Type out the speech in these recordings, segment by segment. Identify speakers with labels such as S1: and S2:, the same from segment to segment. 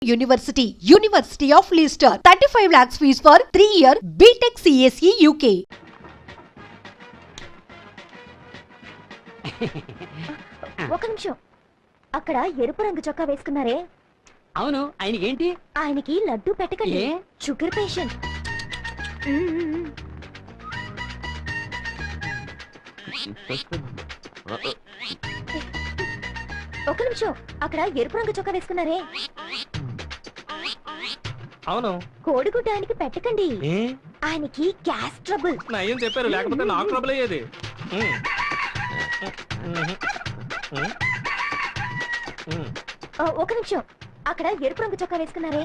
S1: University of Leicester, 35 lakhs fees for 3-year BTech CSE UK.
S2: ఒక నిమిషం. అక్కడ ఎరుపు రంగు చొక్కా వేసుకున్నారే,
S3: అవును, ఆయనకేంటి?
S2: ఆయనకి లడ్డు పెట్టకండి, షుగర్ పేషెంట్. ఒక నిమిషం. అక్కడ ఎరుపు రంగు చొక్కా వేసుకున్నారే,
S4: అవును,
S2: కోడిగుడ్డ ఆయనకి పెట్టకండి, ఆయనకి గ్యాస్ ట్రబుల్.
S4: ఏం చెప్పారు, లేకపోతే నాకు ట్రబుల్ అయ్యేది.
S2: ఒక నిమిషం. అక్కడ ఎరుపు రంగు చొక్కా వేసుకున్నారే,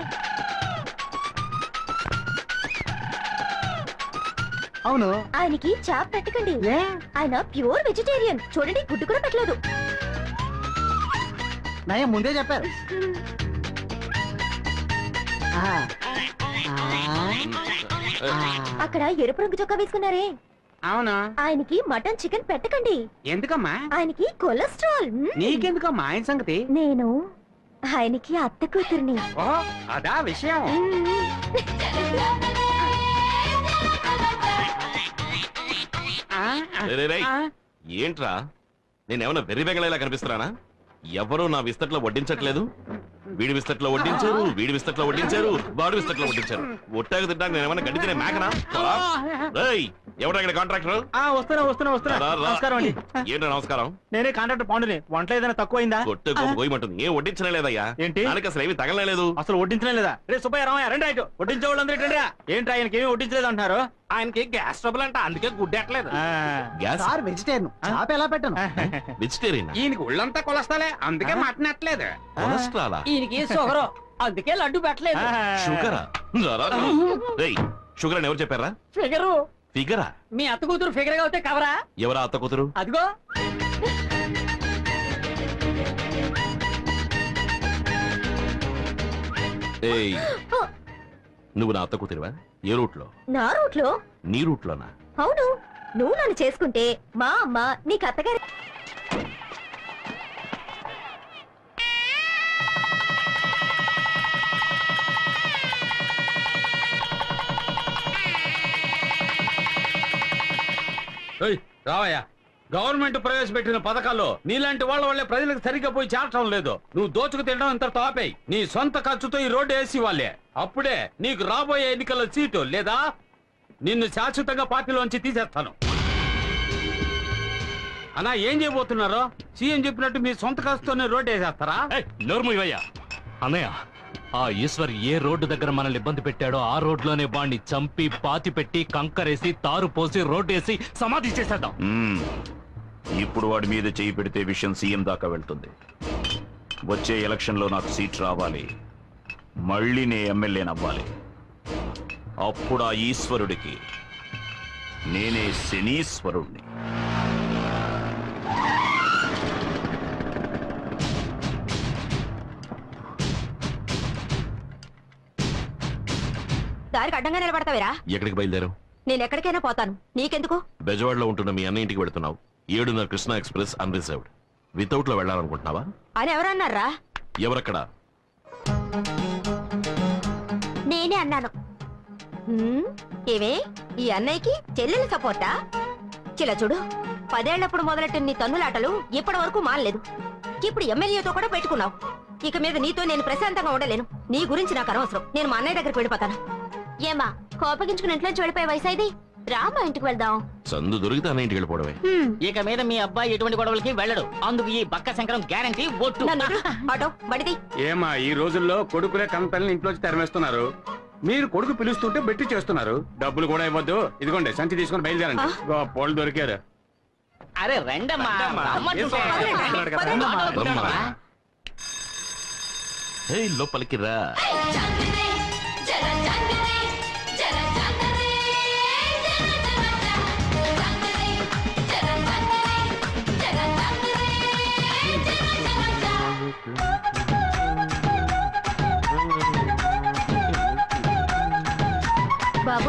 S3: అవును,
S2: ఆయనకి చాప్ పెట్టకండి, ఆయన ప్యూర్ వెజిటేరియన్. చూడండి, గుడ్డు కూడా పెట్టలేదు.
S3: నయం ముందే చెప్పారు.
S2: అక్కడ ఎరుపు రంగు చొక్కా వేసుకున్నారే,
S3: అవునా,
S2: ఆయనకి మటన్ చికెన్ పెట్టకండి,
S3: ఎందుకమ్మా?
S2: ఆయనకి కొలెస్ట్రాల్.
S3: నీకెందుకమ్మా ఆయన సంగతి?
S2: నేను ఆయనకి అత్త కూతుర్ని.
S3: ఓ, అదా విషయం.
S5: ఏంట్రా, నేనేమన్నా వెర్రి బెంగళలా కనిపిస్తున్నానా? ఎవరు నా విస్తట్లో వడ్డించట్లేదు. వీడి విస్తట్లో వడ్డించారు, వీడి విస్తట్లో వడ్డించారు, వాడి విస్తట్లో వడ్డించారు. ఒట్టాకు తింటాక నేను ఏమన్నా గడ్డి తినే మేకనా? ఎవరా ఇక్కడ కాంట్రాక్టర్?
S4: నమస్కారం అండి.
S5: ఏంటో నమస్కారం.
S4: నేనే కాంట్రాక్టర్ పాండుని. వంట ఏదైనా తక్కువైందా?
S5: కొట్టే గోయమంటుంది. ఏం వడ్డించనే లేదయ్యా.
S4: ఏంటి?
S5: దానికి అసలు ఏమి తగలలేదు.
S4: అసలు వడ్డించనే లేదా? రే సుబ్బయ్య, రామయ్య, రండి. రైట్, వడ్డించే వాళ్ళు అందరూ రండి. ఏంటి, ఆయనకి ఏమి వడ్డించలేదు అంటున్నారు?
S5: ఆయనకి గ్యాస్ ట్రబుల్ అంట, అందుకే గుడ్డెట్లేదు. గ్యాస్
S3: వెజిటేరియన్, చాప ఎలా పెట్టను?
S5: వెజిటేరియన్.
S6: ఈయనకి ఒళ్ళంతా కొలస్తాలే, అందుకే మటన్ ఎట్లేదు.
S5: కొలెస్ట్రాలా?
S3: ఈయనకి షుగర్, అందుకే లడ్డు పెట్టలేదు.
S5: షుగరా? షుగర్ అని ఎవరు చెప్పారా?
S3: ఫిగరు.
S5: ఫిగరా?
S3: మీ అత్త కూతురు ఫిగర్ గా అవుతే కవరా?
S5: ఎవరా అత్త కూతురు?
S3: అదిగో.
S5: ఏయ్, నువ్వు నా అత్త కూతురువా? ఏ రూట్ లో?
S2: నా రూట్ లో.
S5: నీ రూట్ లోనా?
S2: అవును, నువ్వు నన్ను చేసుకుంటే మా అమ్మ నీకు అత్తగారి.
S6: రావయ్యా, గవర్నమెంట్ ప్రవేశపెట్టిన పథకాల్లో నీలాంటి వాళ్ళ వల్లే ప్రజలకు సరిగ్గా పోయి చేరటం లేదు. నువ్వు దోచుకు తినడం ఇంత తాపేయి. నీ సొంత ఖర్చుతో ఈ రోడ్డు వేసి వాళ్ళే. అప్పుడే నీకు రాబోయే ఎన్నికల్లో సీటు, లేదా నిన్ను శాశ్వతంగా పార్టీలోంచి తీసేస్తాను. అన్నా, ఏం చేయబోతున్నారో? సీఎం చెప్పినట్టు మీ సొంత ఖర్చుతోనే రోడ్డు వేసేస్తారా?
S7: నోర్మయ్యా అన్నయ్య, ఆ ఈశ్వర్ ఏ రోడ్డు దగ్గర మనల్ని ఇబ్బంది పెట్టాడో ఆ రోడ్లోనే వాణ్ణి చంపి పాతి పెట్టి కంకరేసి తారు పోసి రోడ్డు వేసి సమాధి చేసేద్దాం.
S8: ఇప్పుడు వాడి మీద చేయి పెడితే విషయం సీఎం దాకా వెళ్తుంది. వచ్చే ఎలక్షన్ లో నాకు సీట్ రావాలి, మళ్ళీ నే ఎమ్మెల్యేనవ్వాలి. అప్పుడు ఆ ఈశ్వరుడికి నేనే శనీశ్వరుణ్ణి.
S2: దారికి అడ్డంగా నిలబడతావేరా?
S5: ఎక్కడికి బయలుదేరావు?
S2: నేను ఎక్కడికైనా పోతాను, నీకెందుకు?
S5: బెజవాడలో ఉంటున్న మీ అన్న ఇంటికి వెళ్తున్నావు. 7:30 కృష్ణా ఎక్స్ప్రెస్ అన్రిజర్వ్డ్. వితౌట్ లో వెళ్ళాలనుకుంటున్నావా?
S2: అని ఎవరన్నారా?
S5: ఎవరక్కడ?
S2: నేనే అన్నాను. ఏమే, ఈ అన్నయ్యకి చెల్లెలు సపోర్టా? చిలా చూడు, 10 ఏళ్లప్పుడు మొదలెట్టిన నీ తన్నులాటలు ఇప్పటి వరకు మానలేదు. ఇప్పుడు ఎమ్మెల్యేతో కూడా పెట్టుకున్నావు. ఇక మీద నీతో నేను ప్రశాంతంగా ఉండలేను. నీ గురించి నాకు అనవసరం. నేను మా అన్నయ్య దగ్గరికి వెళ్ళిపోతాను. ఏమా, కోపగించుకుని ఇంట్లోంచి వెళ్ళిపోయే వయసు ఇది? రామా, ఇంటికి వెళ్దాం.
S5: సందు దొరికితే అన్న ఇంటికి వెళ్ళిపోవడమే.
S3: ఇక మీద మీ అబ్బాయి ఎటువంటి గొడవలకి వెళ్ళడు. అందుకు ఈ బక్క శంకరం గ్యారంటీ. ఒట్టు.
S2: ఆటో బడిది.
S6: ఏమా, ఈ రోజుల్లో కొడుకులే కంపెనీని ఇంట్లోంచి తరిమేస్తున్నారు. మీరు కొడుకు పిలుస్తుంటే బెట్టి చేస్తున్నారు. డబ్బులు కూడా ఇవ్వద్దు. ఇదిగోండి, సంచి తీసుకుని బయలుదేరండి. పోలు దొరికారు.
S3: అరే రండమ్మా.
S5: లోపలికి రా.
S2: బాబు,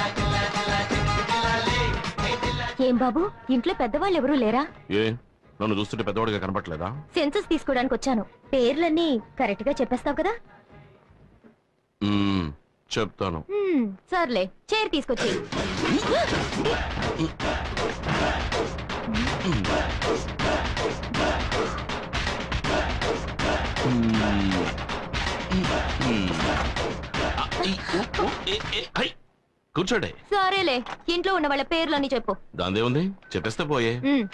S2: ఏం బాబు, ఇంట్లో పెద్దవాళ్ళు ఎవరూ లేరా?
S5: ఏ, నన్ను చూస్తుంటే పెద్దవాడిగా కనపట్లేదా?
S2: సెన్సస్ తీసుకోవడానికి వచ్చాను. పేర్లన్నీ కరెక్ట్ గా చెప్పేస్తావు కదా?
S5: చెప్తాను.
S2: సర్లే చైర్ తీసుకొచ్చి.
S5: కూర్చోండి.
S2: సరేలే, ఇంట్లో ఉన్న వాళ్ళ పేర్లన్నీ చెప్పు.
S5: దాందే ఉంది, చెప్పేస్తే పోయే.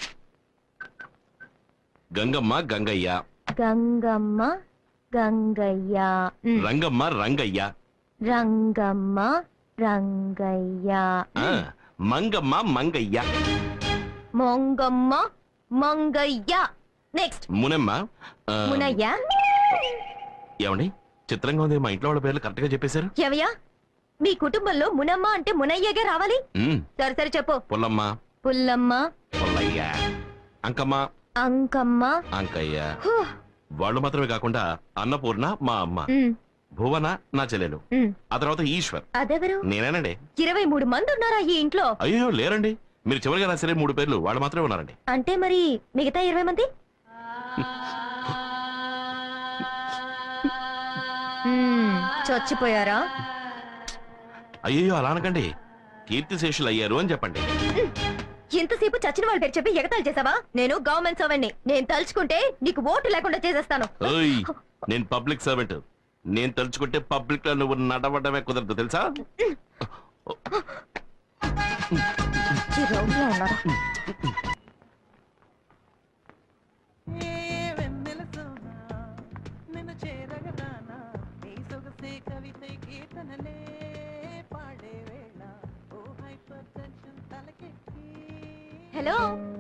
S5: గంగమ్మ గంగయ్య,
S2: గంగమ్మ గంగయ్య,
S5: రంగమ్మ రంగయ్య,
S2: రంగమ్మ రంగయ్య,
S5: ఆ, మంగమ్మ మంగయ్య,
S2: మొంగమ్మ మంగయ్య. నెక్స్ట్
S5: మునమ్మ. ఆ,
S2: మునయ్య.
S5: ఏమండి చిత్రంగా ఉంది, మా ఇంట్లో వాళ్ళ పేర్లు కరెక్ట్ గా చెప్పేశారు.
S2: ఎవయ్యా, మీ కుటుంబంలో మునమ్మ అంటే మునయ్యగా రావాలి. సరే సరే చెప్పు.
S5: పుల్లమ్మ,
S2: పుల్లమ్మ,
S5: పుల్లయ్య, అంకమ్మ,
S2: అంకమ్మ,
S5: అంకయ్య. వాళ్ళు మాత్రమే కాకుండా అన్నపూర్ణ మా అమ్మ, భువన నా చెల్లెలు, ఆ తర్వాత ఈశ్వర్.
S2: అదెవరు?
S5: నేనేనండి.
S2: 23 మంది ఉన్నారా ఈ ఇంట్లో?
S5: అయ్యో లేరండి, మీరు చివరిగా రాసే 3 పేర్లు వాళ్ళు మాత్రమే ఉన్నారండి.
S2: అంటే మరి మిగతా 20 మంది? చచ్చిపోయారా?
S5: అయ్యో అలా అనకండి, కీర్తిశేషులు అయ్యారు అని చెప్పండి.
S2: ఇంతసేపు చచ్చిన వాళ్ళ పేరు చెప్పి ఎగతాళి చేసావా? నేను గవర్నమెంట్ సర్వెంట్ని. నేను తలుచుకుంటే నీకు ఓటు లేకుండా చేసేస్తాను.
S5: ఓయ్, నేను పబ్లిక్ సర్వెంట్. నేను తలుచుకుంటే పబ్లిక్ లో నువ్వు నడవడమే కుదరదు తెలుసా?
S2: హలో,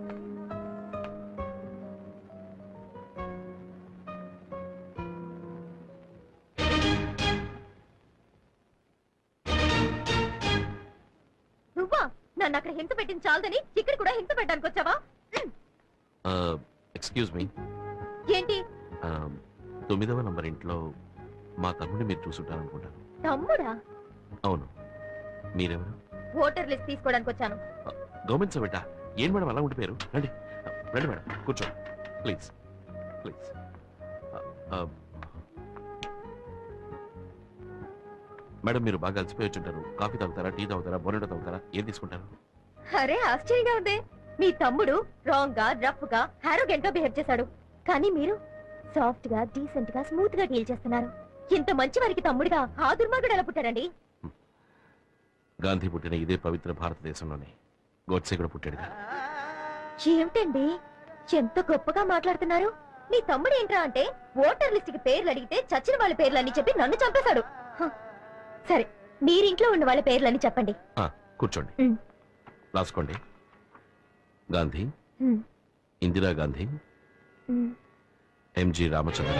S2: నువ్వా? నన్ను అక్కడ హింస పెట్టింది చాలదని ఇక్కడ కూడా హింస పెట్టడానికి వచ్చావా?
S5: Excuse me.
S2: ఏంటి?
S5: 9వ నంబర్ ఇంట్లో మా తమ్ముడిని మీరు చూసుంటారనుకుంటాను.
S2: తమ్ముడా?
S5: అవును. మీరెవరు?
S2: ఓటర్ లిస్ట్ తీసుకోవడానికి వచ్చాను.
S5: గవర్నమెంట్ సర్వెంటా? ఏం మేడం అలా ఉండిపోయారు? రండి రండి మేడం, కూర్చోండి ప్లీజ్ ప్లీజ్. మేడం మీరు బాగా అలసిపోయి వచ్చుంటారు. కాఫీ తాగుతారా, టీ తాగుతారా, బోనెటో తాగుతారా, ఏం తీసుకుంటారు?
S2: అరే ఆశ్చర్యంగా ఉంది. మీ తమ్ముడు రాంగ్ గా, రఫ్ గా, హారోగెంట్ గా బిహేవ్ చేశాడు. కానీ మీరు సాఫ్ట్ గా, డీసెంట్ గా, స్మూత్ గా డీల్ చేస్తున్నారు. ఇంత మంచి వారికి తమ్ముడిగా ఆ దుర్మార్గుడు ఎలా పుట్టారండి?
S5: గాంధీ పుట్టిన ఇదే పవిత్ర భారతదేశంలోనే గోడ్సే కూడా పుట్టాడుగా.
S2: ఏమిటండి ఎంత గొప్పగా మాట్లాడుతున్నారు? మీ తమ్ముడు ఏంట్రా అంటే ఓటర్ లిస్ట్ కి పేర్లు అడిగితే చచ్చిన వాళ్ళ పేర్లని చెప్పి నన్ను చంపేశాడు. సరే, మీరింట్లో ఉన్న వాళ్ళ పేర్లని చెప్పండి.
S5: కూర్చోండి, రాసుకోండి. గాంధీ, ఇందిరా గాంధీ, ఎంజి రామచంద్ర.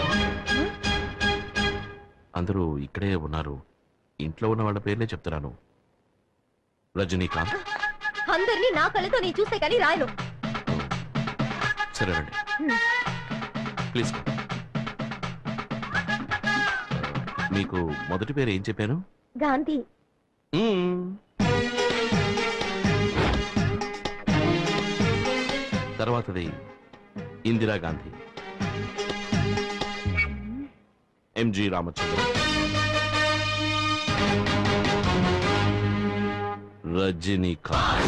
S5: అందరూ ఇక్కడే ఉన్నారు. ఇంట్లో ఉన్న వాళ్ళ పేర్లే చెప్తున్నాను. రజనీకాంత్.
S2: అందరినీ నా కళ్ళతో నేను చూస్తే కానీ రాయను.
S5: సరే రండి ప్లీజ్. మీకు మొదటి పేరు ఏం చెప్పాను?
S2: గాంధీ.
S5: తర్వాతది ఇందిరా గాంధీ, ఎంజి రామచంద్ర, రజనీకాంత్.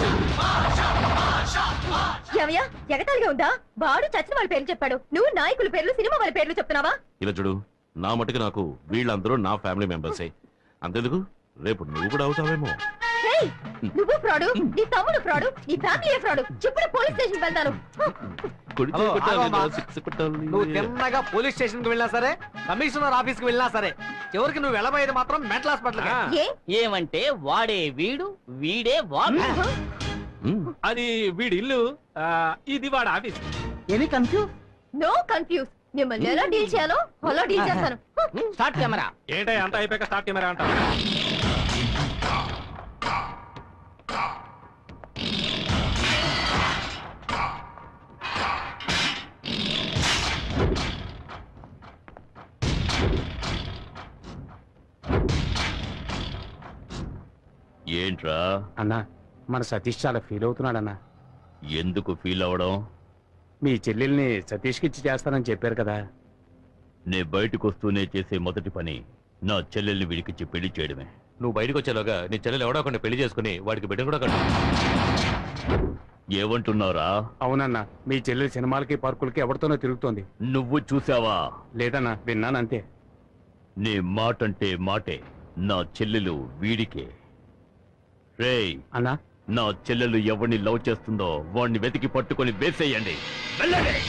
S2: ఏమయ్యా, ఎగతాళిగా ఉందా? వాడు చచ్చిన వాళ్ళ పేర్లు చెప్పాడు, నువ్వు నాయకుల పేర్లు, సినిమా వాళ్ళ పేర్లు చెప్తున్నావా?
S5: ఇలా చూడు, నా మటుకు నాకు వీళ్ళందరూ నా ఫ్యామిలీ మెంబర్సే. అంతెందుకు, రేపు నువ్వు కూడా అవుతావేమో.
S2: నువ్వు ఫ్రాడు, నీ తమ్ముడు ఫ్రాడు, నీ ఫ్యామిలీ ఫ్రాడు. చెప్పుడు పోలీస్ స్టేషన్ వెళ్తాను.
S9: నువ్వు తిన్నగా పోలీస్ స్టేషన్ కి వెళ్ళినా సరే, కమిషనర్ ఆఫీస్ కి వెళ్ళినా సరే, చివరికి నువ్వు వెళ్ళబోయేది మాత్రం మెంటల్ హాస్పిటల్.
S3: ఏమంటే వాడే వీడు, వీడే వాడు.
S4: అది వీడి ఇల్లు, ఇది వాడు office.
S9: Any confuse?
S2: No confuse. మిమ్మల్ని ఎలా డీల్ చేయాలో అలా డీల్ చేస్తాను.
S3: Start camera.
S4: ఏంటో అంత అయిపోయాక స్టార్ట్ కెమెరా అంటావు?
S8: ఏంట్రా
S9: అన్నా, మన సతీష్ చాలా ఫీల్ అవుతున్నాడు అన్నా.
S8: ఎందుకు ఫీల్ అవడం?
S9: మీ చెల్లెల్ని సతీష్కి ఇచ్చి చేస్తానని చెప్పారు కదా.
S8: నే బయటకు వస్తూనే చేసే మొదటి పని నా చెల్లెల్ని వీడికిచ్చి పెళ్లి చేయడమే.
S7: నువ్వు బయటకు వచ్చేలోగా నీ చెల్లెలు ఎవడో ఒకరిని పెళ్లి చేసుకుని వాడికి బిడ్డ కూడా కట్టు.
S8: ఏమంటున్నారా?
S6: అవునన్నా, మీ చెల్లెలు సినిమాలకి పార్కులకి ఎవరితోనో తిరుగుతోంది.
S8: నువ్వు చూసావా?
S6: లేదన్నా, విన్నానంతే.
S8: నీ మాటంటే మాటే. నా చెల్లెలు వీడికే. రేయ్,
S6: అన్నా,
S8: నా చెల్లెలు ఎవరిని లవ్ చేస్తుందో వాడిని వెతికి పట్టుకొని వేసేయండి. వెళ్ళండి.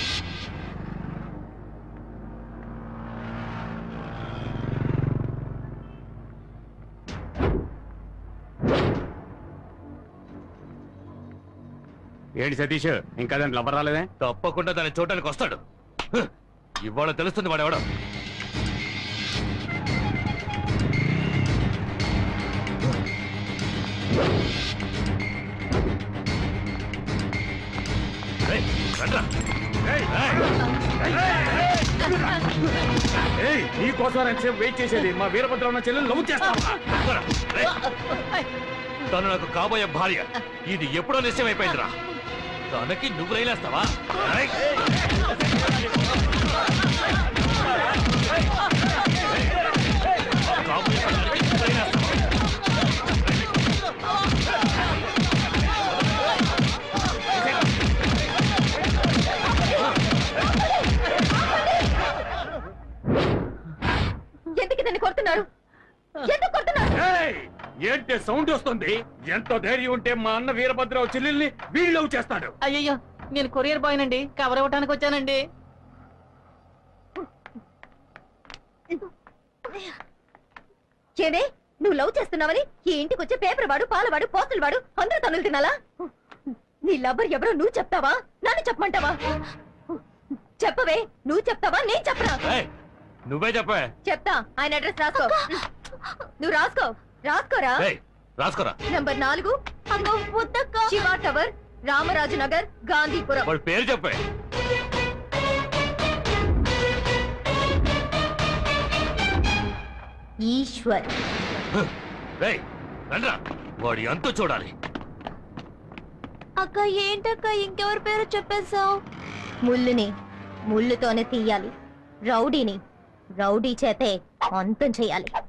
S6: ఏంటి సతీష్, ఇంకా దాని లవ్వర్ రాలేదే?
S7: తప్పకుండా దాన్ని చూడడానికి వస్తాడు. హ్, ఇవాళ తెలుస్తుంది వాడెవడో. రేయ్, రండ్రా.
S6: నీకోసం ఎంతసేపు వెయిట్ చేసేది? మా వీరభద్ర ఉన్న చెల్లెలు లవ్ చేస్తావా?
S7: రేయ్, తను నాకు కాబోయే భార్య. ఇది ఎప్పుడో నిశ్చయమైపోయిందిరా. తనకి నువ్వు రైలేస్తావా? రేయ్. కాబోయే భార్యకి నువ్వు రైలేస్తావా?
S2: ఎందుకు దాన్ని కొడుతున్నారు? ఎందుకు కొడుతున్నారు?
S6: ఏంటి సౌండ్ వస్తుంది? ఎంత ధైర్యం ఉంటే మా అన్న వీరభద్ర చెల్లెల్ని వీళ్ళు లవ్ చేస్తాడు?
S3: అయ్యయ్యో, నేను కొరియర్ బాయ్ నండి, కవర్ ఇవ్వడానికి వచ్చానండి.
S2: ఏమే, నువ్వు లవ్ చేస్తున్నావని ఈ ఇంటికి వచ్చే పేపర్ వాడు, పాలవాడు, పోస్టులు వాడు అందరూ తనులు తినాలా? నీ లవ్వర్ ఎవరో నువ్వు చెప్తావా, నన్ను చెప్పమంటావా? చెప్పవే, నువ్వు చెప్తావా, నేను చెప్పరా?
S7: ఏయ్, నువ్వే చెప్పే.
S2: చెప్తా. ఆయన అడ్రస్ రాసుకో. నువ్వు రాసుకోరా.
S7: ఏయ్, రాసుకోరా.
S2: Number 4 Shiva tower, Ramaraju Nagar, Gandhipuram.
S7: వాడి పేరు చెప్పే.
S2: ఈశ్వర్.
S7: రేయ్, రండ్రా. వాడి అంతు చూడాలి.
S2: అక్క ఏంటక్క ఇంకెవరి పేరు చెప్పేశావు? ముళ్ళుని ముళ్ళుతోనే తీయాలి, రౌడీని రౌడీ చేతే అంతం చేయాలి.